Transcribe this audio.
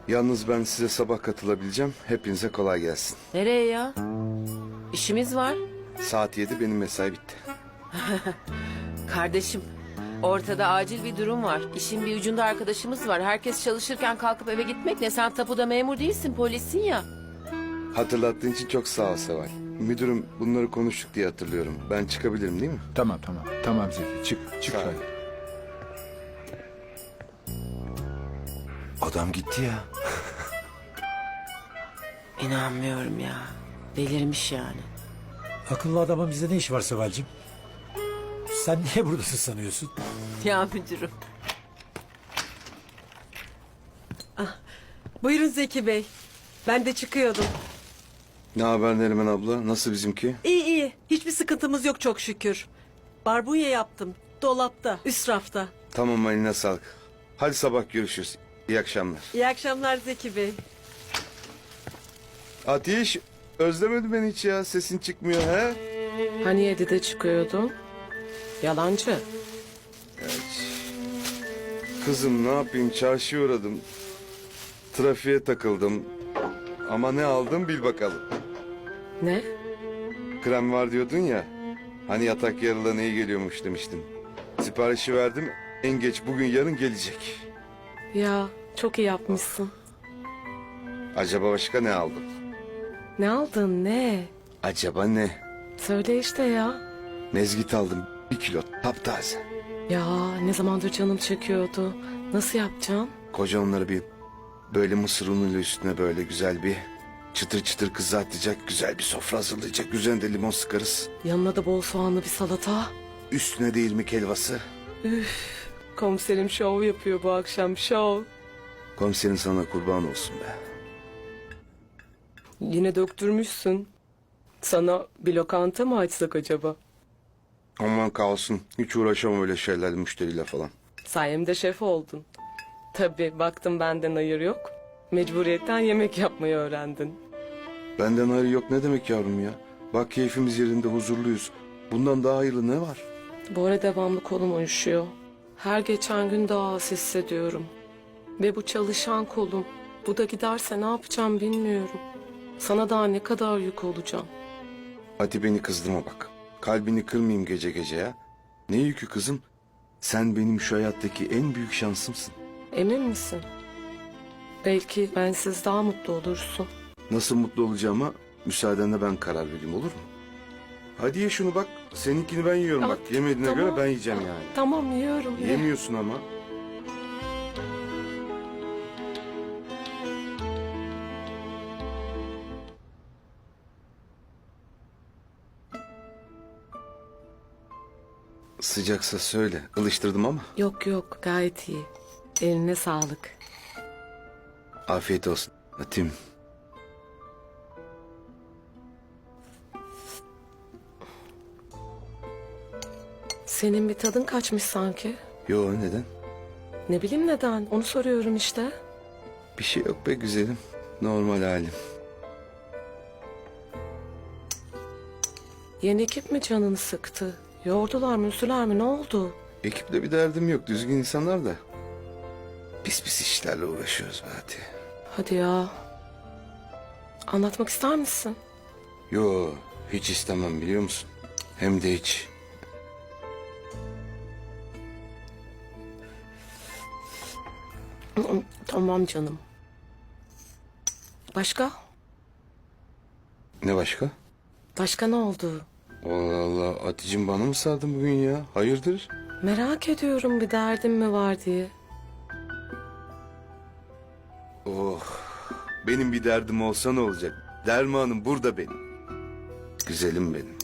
Yalnız ben size sabah katılabileceğim. Hepinize kolay gelsin. Nereye ya? İşimiz var. Saat 7 benim mesai bitti. Kardeşim, ortada acil bir durum var. İşin bir ucunda arkadaşımız var. Herkes çalışırken kalkıp eve gitmek ne? Sen tapuda memur değilsin, polissin ya. Hatırlattığın için çok sağ ol Seval. Müdürüm bunları konuştuk diye hatırlıyorum. Ben çıkabilirim değil mi? Tamam. Tamam Zeki. Çık Sağ ol. sen. Adam gitti ya. İnanmıyorum ya. Delirmiş yani. Akıllı adamın bizde ne işi var Seval'cim? Sen niye buradasın sanıyorsun? Ya müdürüm. Buyurun Zeki Bey. Ben de çıkıyordum. Ne haber Neriman abla? Nasıl bizimki? İyi. Hiçbir sıkıntımız yok çok şükür. Barbunya yaptım. Dolapta, üst rafta. Tamam, eline sağlık. Hadi sabah görüşürüz. İyi akşamlar. İyi akşamlar Zeki Bey. Ateş, özlemedi beni hiç ya. Sesin çıkmıyor he? Hani 7'de çıkıyordun? Yalancı. Kızım ne yapayım, çarşıya uğradım. Trafiğe takıldım. Ama ne aldım bil bakalım. Ne? Krem var diyordun ya. Hani yatak yarılarına iyi geliyormuş demiştin. Siparişi verdim. En geç bugün yarın gelecek. Ya çok iyi yapmışsın. Acaba başka ne aldım? Ne aldın ne? Acaba ne? Söyle işte ya. Mezgit aldım. 1 kilo taptaze. Ya ne zamandır canım çekiyordu. Nasıl yapacağım? Koca onları bir böyle mısır unuyla üstüne böyle güzel bir çıtır çıtır kızartacak. Güzel bir sofra hazırlayacak. Üzerine de limon sıkarız. Yanına da bol soğanlı bir salata. Üstüne de irmik helvası. Komiserim şov yapıyor bu akşam şov. Komiserin sana kurban olsun be. Yine döktürmüşsün. Sana bir lokanta mı açsak acaba? Aman kalsın. Hiç uğraşamam öyle şeylerle, müşteriyle falan. Sayemde şef oldun. Tabii baktım benden hayır yok. Mecburiyetten yemek yapmayı öğrendin. Benden hayır yok ne demek yavrum ya? Bak keyfimiz yerinde, huzurluyuz. Bundan daha hayırlı ne var? Bu ara devamlı kolum uyuşuyor. Her geçen gün daha az hissediyorum. Ve bu çalışan kolum. Bu da giderse ne yapacağım bilmiyorum. Sana daha ne kadar yük olacağım. Hadi beni kızdırma bak. Kalbini kırmayayım gece gece ya. Ne yükü kızım? Sen benim şu hayattaki en büyük şansımsın. Emin misin? Belki bensiz daha mutlu olursun. Nasıl mutlu olacağıma müsaadenle ben karar vereyim, olur mu? Hadi ye şunu bak. Seninkini ben yiyorum Ya, bak. Yemediğine tamam. göre ben yiyeceğim yani. Tamam yiyorum. ye. Yemiyorsun ama. Sıcaksa söyle. Ilıştırdım ama. Yok yok gayet iyi. Eline sağlık. Afiyet olsun. Atayım. Senin bir tadın kaçmış sanki. Yo, neden? Ne bileyim neden onu soruyorum işte. Bir şey yok be güzelim. Normal halim. Yeni ekip mi canını sıktı? Yordular mı üzdüler mi ne oldu? Ekiple bir derdim yok. Düzgün insanlar da. Pis pis işlerle uğraşıyoruz be hadi. Hadi ya. Anlatmak ister misin? Yo, hiç istemem biliyor musun? Hem de hiç. Tamam canım. Başka? Ne başka? Başka ne oldu? Allah Allah, Aticim bana mı sardın bugün ya? Hayırdır? Merak ediyorum bir derdin mi var diye. Oh, benim bir derdim olsa ne olacak? Dermanım burada benim. Güzelim benim.